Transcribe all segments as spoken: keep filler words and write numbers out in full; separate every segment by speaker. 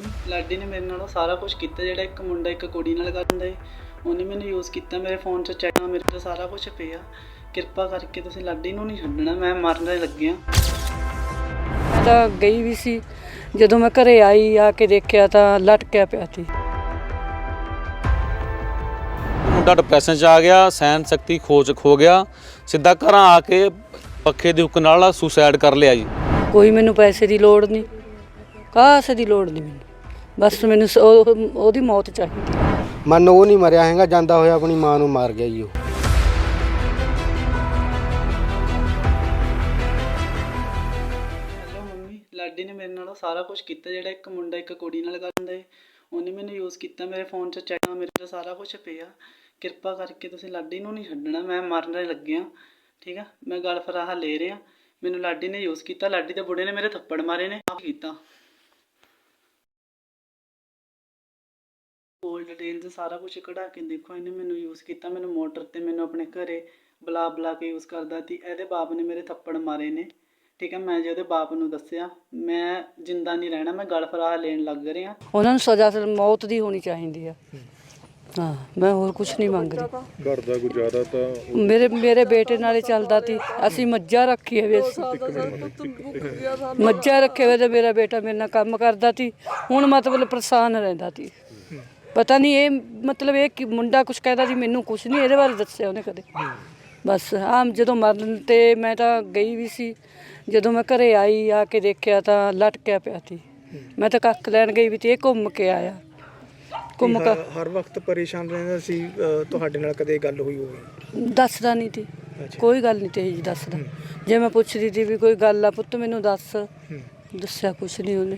Speaker 1: Mummy Ladi ਨੇ ਮੇਰੇ ਨਾਲ ਸਾਰਾ ਕੁਝ ਕੀਤਾ। ਜਿਹੜਾ ਇੱਕ ਮੁੰਡਾ ਇੱਕ ਕੁੜੀ ਨਾਲ ਕਰਦਾ ਏ ਉਹਨੇ ਮੈਨੂੰ ਯੂਜ਼ ਕੀਤਾ। ਮੇਰੇ ਫੋਨ 'ਚ ਚੈਟਾਂ ਮੇਰੇ ਤੋਂ ਸਾਰਾ ਕੁਝ ਪਿਆ। ਕਿਰਪਾ ਕਰਕੇ ਤੁਸੀਂ ਲਾਡੀ ਨੂੰ ਨਹੀਂ ਛੱਡਣਾ, ਮੈਂ ਮਰਨ ਲੱਗਿਆ।
Speaker 2: ਮੈਂ ਤਾਂ ਗਈ ਵੀ ਸੀ, ਜਦੋਂ ਮੈਂ ਘਰੇ ਆਈ ਆ ਕੇ ਦੇਖਿਆ ਤਾਂ ਲਟਕਿਆ ਪਿਆ ਸੀ।
Speaker 3: ਮੁੰਡਾ ਡਿਪਰੈਸ਼ਨ 'ਚ ਆ ਗਿਆ, ਸਹਿਣ ਸ਼ਕਤੀ ਖੋਜ ਖੋ ਗਿਆ, ਸਿੱਧਾ ਘਰਾਂ ਆ ਕੇ ਪੱਖੇ ਦੀ ਹੁੱਕ ਨਾਲ ਸੁਸਾਈਡ ਕਰ ਲਿਆ ਜੀ।
Speaker 2: ਕੋਈ ਮੈਨੂੰ ਪੈਸੇ ਦੀ ਲੋੜ ਨਹੀਂ, ਕਾਸੇ ਦੀ ਲੋੜ ਨਹੀਂ ਮੈਨੂੰ, ਬਸ ਮੈਨੂੰ ਸ- ਉਹ- ਉਹਦੀ ਮੌਤ ਚਾਹੀਦੀ।
Speaker 4: ਮਨ ਉਹ ਨਹੀਂ ਮਰਿਆ ਹੈਗਾ, ਜਾਂਦਾ ਹੋਇਆ ਆਪਣੀ ਮਾਂ ਨੂੰ ਮਾਰ ਗਿਆ ਜੀ ਉਹ।
Speaker 1: ਹੈਲੋ ਮੰਮੀ, ਲਾਡੀ ਨੇ ਮੇਰੇ ਨਾਲ ਸਾਰਾ ਕੁਝ ਕੀਤਾ। ਜਿਹੜਾ ਇੱਕ ਮੁੰਡਾ ਇੱਕ ਕੁੜੀ ਨਾਲ ਕਰਦਾ ਏ ਉਹਨੇ ਮੈਨੂੰ ਯੂਜ਼ ਕੀਤਾ। ਮੇਰੇ ਫੋਨ 'ਚ ਚੈਟਾਂ ਮੇਰੇ ਤੋਂ ਸਾਰਾ ਕੁਝ ਪਿਆ। ਕਿਰਪਾ ਕਰਕੇ ਤੁਸੀਂ ਲਾਡੀ ਨੂੰ ਨਹੀਂ ਛੱਡਣਾ, ਮੈਂ ਮਰਨ ਲੱਗਿਆ। ਠੀਕ ਆ, ਮੈਂ ਗਲ ਫਰਾਹਾ ਲੈ ਰਿਹਾ। ਮੈਨੂੰ ਲਾਡੀ ਨੇ ਯੂਜ਼ ਕੀਤਾ। ਲਾਡੀ ਦੇ ਬੁੜੇ ਨੇ ਮੇਰੇ ਥੱਪੜ ਮਾਰੇ ਨੇ, ਆਪ ਕੀਤਾ। ਕੋਲ ਡਿਟੇਲਸ ਸਾਰਾ ਕੁਝ ਕਢਾ ਕੇ ਦੇਖੋ। ਇਹਨੇ ਮੈਨੂੰ ਯੂਜ਼ ਕੀਤਾ, ਮੈਨੂੰ ਮੋਟਰ ਤੇ ਮੈਨੂੰ ਆਪਣੇ ਘਰੇ ਬੁਲਾ ਬੁਲਾ ਕੇ ਯੂਜ਼ ਕਰਦਾ ਸੀ। ਇਹਦੇ ਬਾਪ ਨੇ ਮੇਰੇ ਥੱਪੜ ਮਾਰੇ ਨੇ। ਠੀਕ ਹੈ, ਮੈਂ ਜੇ ਉਹਦੇ ਬਾਪ ਨੂੰ ਦੱਸਿਆ ਮੈਂ ਜਿੰਦਾ ਨਹੀਂ ਰਹਿਣਾ, ਮੈਂ ਗਲ ਫਰਾਹਾ ਲੈਣ ਲੱਗ ਰਿਹਾ।
Speaker 2: ਉਹਨਾਂ ਨੂੰ ਸਜ਼ਾ ਮੌਤ ਦੀ ਹੋਣੀ ਚਾਹੀਦੀ ਆ। ਹਾਂ, ਮੈਂ ਹੋਰ ਕੁਝ ਨਹੀਂ ਮੰਗ ਰਹੀ।
Speaker 5: ਘਰ ਦਾ ਗੁਜ਼ਾਰਾ ਤਾਂ
Speaker 2: ਮੇਰੇ ਮੇਰੇ ਬੇਟੇ ਨਾਲੇ ਚੱਲਦਾ ਸੀ। ਅਸੀਂ ਮੱਝਾਂ ਰੱਖੀਆਂ ਵੇ ਅਸੀਂ ਮੱਝਾਂ ਰੱਖੇ ਹੋਏ ਤੇ ਮੇਰਾ ਬੇਟਾ ਮੇਰੇ ਨਾਲ ਕੰਮ ਕਰਦਾ ਸੀ। ਹੁਣ ਮਤਲਬ ਪਰੇਸ਼ਾਨ ਰਹਿੰਦਾ ਸੀ। ਪਤਾ ਨਹੀਂ ਇਹ ਮਤਲਬ ਇਹ ਕਿ ਮੁੰਡਾ ਕੁਛ ਕਹਿੰਦਾ ਸੀ, ਮੈਨੂੰ ਕੁਛ ਨਹੀਂ ਇਹਦੇ ਬਾਰੇ ਦੱਸਿਆ ਉਹਨੇ ਕਦੇ। ਬਸ ਆਮ ਜਦੋਂ ਮਰਨ ਤੇ ਮੈਂ ਤਾਂ ਗਈ ਵੀ ਸੀ, ਜਦੋਂ ਮੈਂ ਘਰੇ ਆਈ ਆ ਕੇ ਦੇਖਿਆ ਤਾਂ ਲਟਕਿਆ ਪਿਆ ਸੀ। ਮੈਂ ਤਾਂ ਕੱਖ ਲੈਣ ਗਈ ਵੀ ਤੇ ਇਹ ਘੁੰਮ ਕੇ ਆਇਆ। ਘੁੰਮ ਕੇ
Speaker 6: ਹਰ ਵਕਤ ਪਰੇਸ਼ਾਨ ਰਹਿੰਦਾ ਸੀ। ਤੁਹਾਡੇ ਨਾਲ ਕਦੇ ਗੱਲ ਹੋਈ ਹੋਵੇ?
Speaker 2: ਦੱਸਦਾ ਨਹੀਂ ਸੀ, ਕੋਈ ਗੱਲ ਨਹੀਂ ਤੇ ਜੀ ਦੱਸਦਾ। ਜੇ ਮੈਂ ਪੁੱਛਦੀ ਸੀ ਵੀ ਕੋਈ ਗੱਲ ਆ ਪੁੱਤ ਮੈਨੂੰ ਦੱਸ, ਦੱਸਿਆ ਕੁਛ ਨਹੀਂ ਉਹਨੇ।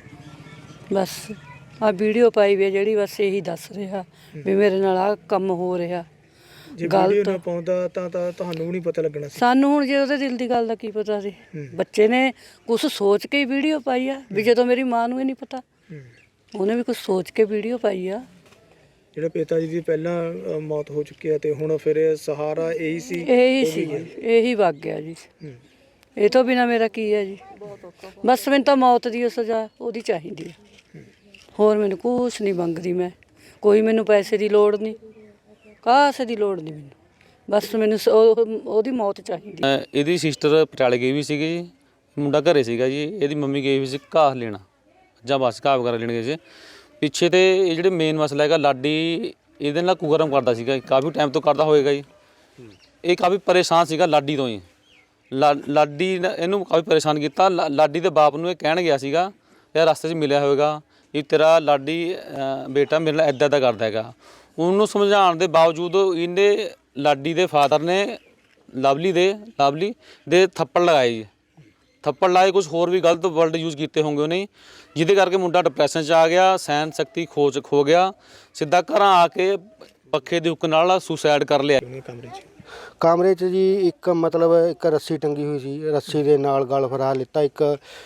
Speaker 2: ਬਸ ਆ ਵੀਡੀਓ ਪਾਈ ਵੀ ਜਿਹੜੀ, ਬਸ ਇਹੀ ਦੱਸ ਰਿਹਾ ਵੀ ਮੇਰੇ ਨਾਲ ਆ ਕੰਮ ਹੋ ਰਿਹਾ।
Speaker 6: ਜੇ ਵੀਡੀਓ ਨਾ ਪਾਉਂਦਾ ਤਾਂ ਤਾਂ ਤੁਹਾਨੂੰ ਵੀ ਨਹੀਂ ਪਤਾ ਲੱਗਣਾ ਸੀ।
Speaker 2: ਸਾਨੂੰ ਹੁਣ ਜੇ ਉਹਦੇ ਦਿਲ ਦੀ ਗੱਲ ਦਾ ਕੀ ਪਤਾ ਸੀ। ਬੱਚੇ ਨੇ ਕੁਛ ਸੋਚ ਕੇ ਵੀਡੀਓ ਪਾਈ ਆ ਵੀ ਜਦੋਂ ਮੇਰੀ ਮਾਂ ਨੂੰ ਇਹ ਨਹੀਂ ਪਤਾ, ਉਹਨੇ ਵੀ ਕੁਛ ਸੋਚ ਕੇ ਵੀਡੀਓ ਪਾਈ ਆ।
Speaker 6: ਜਿਹੜਾ ਪਿਤਾ ਜੀ ਦੀ ਪਹਿਲਾਂ ਮੌਤ ਹੋ ਚੁੱਕੀ ਹੈ ਤੇ ਹੁਣ ਫਿਰ ਸਹਾਰਾ ਇਹੀ ਸੀ।
Speaker 2: ਇਹੀ ਸੀ, ਇਹੀ ਵਗ ਗਿਆ ਜੀ। ਇਹ ਤੋਂ ਬਿਨਾ ਮੇਰਾ ਕੀ ਹੈ ਜੀ। ਬਸ ਮੈਨੂੰ ਤਾਂ ਮੌਤ ਦੀ ਸਜ਼ਾ ਉਹਦੀ ਚਾਹੀਦੀ ਹੈ, ਹੋਰ ਮੈਨੂੰ ਕੁਛ ਨਹੀਂ ਮੰਗਦੀ ਮੈਂ। ਕੋਈ ਮੈਨੂੰ ਪੈਸੇ ਦੀ ਲੋੜ ਨਹੀਂ, ਕਾਸੇ ਦੀ ਲੋੜ ਨਹੀਂ ਮੈਨੂੰ, ਬਸ ਮੈਨੂੰ ਸ- ਉਹ- ਉਹਦੀ ਮੌਤ ਚਾਹੀਦੀ।
Speaker 3: ਅਹ ਇਹਦੀ ਸਿਸਟਰ ਪਟਿਆਲੇ ਗਈ ਵੀ ਸੀਗੀ ਜੀ, ਮੁੰਡਾ ਘਰੇ ਸੀਗਾ ਜੀ। ਇਹਦੀ ਮੰਮੀ ਗਈ ਵੀ ਸੀ ਘਾਹ ਲੈਣਾ ਜਾਂ ਬਸ ਘਾਹ ਵਗੈਰਾ ਲੈਣ ਗਏ ਸੀ ਪਿੱਛੇ। ਤੇ ਇਹ ਜਿਹੜੇ ਮੇਨ ਮਸਲਾ ਹੈਗਾ, ਲਾਡੀ ਇਹਦੇ ਨਾਲ ਕੁਕਰਮ ਕਰਦਾ ਸੀਗਾ, ਕਾਫੀ ਟਾਈਮ ਤੋਂ ਕਰਦਾ ਹੋਏਗਾ ਜੀ। ਇਹ ਕਾਫੀ ਪਰੇਸ਼ਾਨ ਸੀਗਾ ਲਾਡੀ ਤੋਂ ਹੀ। ਲਾ ਲਾਡੀ ਨੇ ਇਹਨੂੰ ਕਾਫੀ ਪਰੇਸ਼ਾਨ ਕੀਤਾ। ਲਾ- ਲਾਡੀ ਦੇ ਬਾਪ ਨੂੰ ਇਹ ਕਹਿਣ ਗਿਆ ਸੀਗਾ, ਯਾਰ ਰਸਤੇ 'ਚ ਮਿਲਿਆ ਹੋਵੇਗਾ ਇਹ ਤੇਰਾ ਲਾਡੀ ਬੇਟਾ ਮੇਰੇ ਨਾਲ ਇੱਦਾਂ ਇੱਦਾਂ ਕਰਦਾ ਹੈਗਾ। ਉਹਨੂੰ ਸਮਝਾਉਣ ਦੇ ਬਾਵਜੂਦ ਇਹਨੇ ਲਾਡੀ ਦੇ ਫਾਦਰ ਨੇ ਲਵਲੀ ਦੇ ਲਵਲੀ ਦੇ ਥੱਪੜ ਲਗਾਏ ਜੀ। ਥੱਪੜ ਲਾਏ, ਕੁਝ ਹੋਰ ਵੀ ਗਲਤ ਵਰਡ ਯੂਜ਼ ਕੀਤੇ ਹੋਣਗੇ ਉਹਨੇ, ਜਿਹਦੇ ਕਰਕੇ ਮੁੰਡਾ ਡਿਪਰੈਸ਼ਨ 'ਚ ਆ ਗਿਆ, ਸਹਿਣ ਸ਼ਕਤੀ ਖੋਜ ਖੋ ਗਿਆ, ਸਿੱਧਾ ਘਰਾਂ ਆ ਕੇ ਪੱਖੇ ਦੀ ਹੁੱਕ ਨਾਲ ਸੁਸਾਈਡ ਕਰ ਲਿਆ।
Speaker 6: ਕਮਰੇ 'ਚ
Speaker 4: ਕਮਰੇ 'ਚ ਜੀ ਇੱਕ ਮਤਲਬ ਇੱਕ ਰੱਸੀ ਟੰਗੀ ਹੋਈ ਸੀ, ਰੱਸੀ ਦੇ ਨਾਲ ਗਲ ਫਰਾ ਲਿੱਤਾ। ਇੱਕ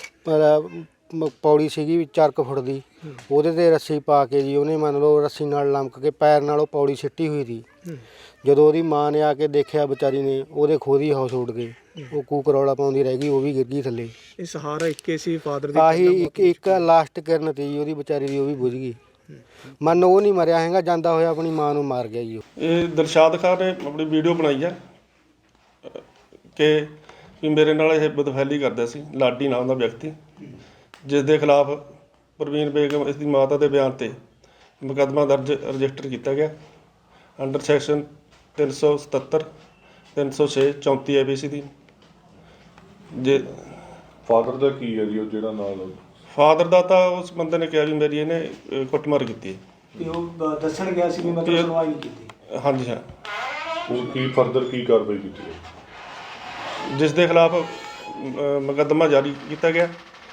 Speaker 4: ਮ- ਪੌੜੀ ਸੀਗੀ ਵੀ ਚਾਰ ਕੁ ਫੁੱਟ ਦੀ, ਉਹਦੇ 'ਤੇ ਰੱਸੀ ਪਾ ਕੇ ਜੀ ਉਹਨੇ ਮੰਨ ਲਓ ਰੱਸੀ ਨਾਲ ਲਮਕ ਕੇ ਪੈਰ ਨਾਲ ਉਹ ਪੌੜੀ ਸਿੱਟੀ ਹੋਈ ਸੀ। ਜਦੋਂ ਉਹਦੀ ਮਾਂ ਨੇ ਆ ਕੇ ਦੇਖਿਆ ਵਿਚਾਰੀ ਨੇ, ਉਹਦੇ ਖੁਦ ਹੀ ਹੌਸ ਉੱਡ ਗਏ। ਉਹ ਕੂਕ ਰੌਲਾ ਪਾਉਂਦੀ ਰਹਿ ਗਈ, ਉਹ ਵੀ ਗਿਰ ਗਈ ਥੱਲੇ।
Speaker 6: ਇਹ ਸਹਾਰਾ ਇੱਕੇ ਸੀ ਫਾਦਰ ਦੀ।
Speaker 4: ਆਹੀ ਇੱਕ ਇੱਕ ਲਾਸਟ ਕਿਰਨ ਤੀ ਜੀ ਉਹਦੀ ਵਿਚਾਰੀ ਦੀ, ਉਹ ਵੀ ਬੁਝ ਗਈ। ਮਨ ਉਹ ਨਹੀਂ ਮਰਿਆ ਹੈਗਾ, ਜਾਂਦਾ ਹੋਇਆ ਆਪਣੀ ਮਾਂ ਨੂੰ ਮਾਰ ਗਿਆ ਜੀ ਉਹ।
Speaker 5: ਇਹ ਦਿਲਸ਼ਾਦ ਖਾਨ ਨੇ ਆਪਣੀ ਵੀਡੀਓ ਬਣਾਈ ਆ ਕਿ ਵੀ ਮੇਰੇ ਨਾਲ ਇਹ ਬਦਫੈਲੀ ਕਰਦਾ ਸੀ ਲਾਡੀ ਨਾਮ ਦਾ ਵਿਅਕਤੀ, ਜਿਸ ਦੇ ਖਿਲਾਫ ਪ੍ਰਵੀਨ ਬੇਗਮ ਇਸ ਦੀ ਮਾਤਾ ਦੇ ਬਿਆਨ 'ਤੇ ਮੁਕੱਦਮਾ ਦਰਜ ਰਜਿਸਟਰ ਕੀਤਾ ਗਿਆ ਅੰਡਰ ਸੈਕਸ਼ਨ ਤਿੰਨ ਸੌ ਸਤੱਤਰ ਤਿੰਨ ਸੌ ਛੇ ਚੌਂਤੀ ਆਈ ਪੀ ਸੀ ਦੀ। ਜੇ
Speaker 7: ਫਾਦਰ ਦਾ ਕੀ ਹੈ ਜੀ ਉਹ ਜਿਹੜਾ ਨਾਲ?
Speaker 5: ਫਾਦਰ ਦਾ ਤਾਂ ਉਸ ਬੰਦੇ ਨੇ ਕਿਹਾ ਵੀ ਮੇਰੀ ਇਹਨੇ ਅਹ, ਕੁੱਟਮਾਰ ਕੀਤੀ ਹੈ।
Speaker 6: ਤੇ ਉਹ ਦੱਸਣ ਗਿਆ ਸੀ ਵੀ ਮਤਲਬ ਸੁਣਵਾਈ ਨਹੀਂ ਕੀਤੀ।
Speaker 5: ਹਾਂਜੀ ਹਾਂ,
Speaker 7: ਉਹ ਕੀ ਫਰਦਰ ਕੀ ਕਾਰਵਾਈ ਕੀਤੀ ਹੈ?
Speaker 5: ਜਿਸ ਦੇ ਖਿਲਾਫ ਮੁਕੱਦਮਾ ਜਾਰੀ ਕੀਤਾ ਗਿਆ।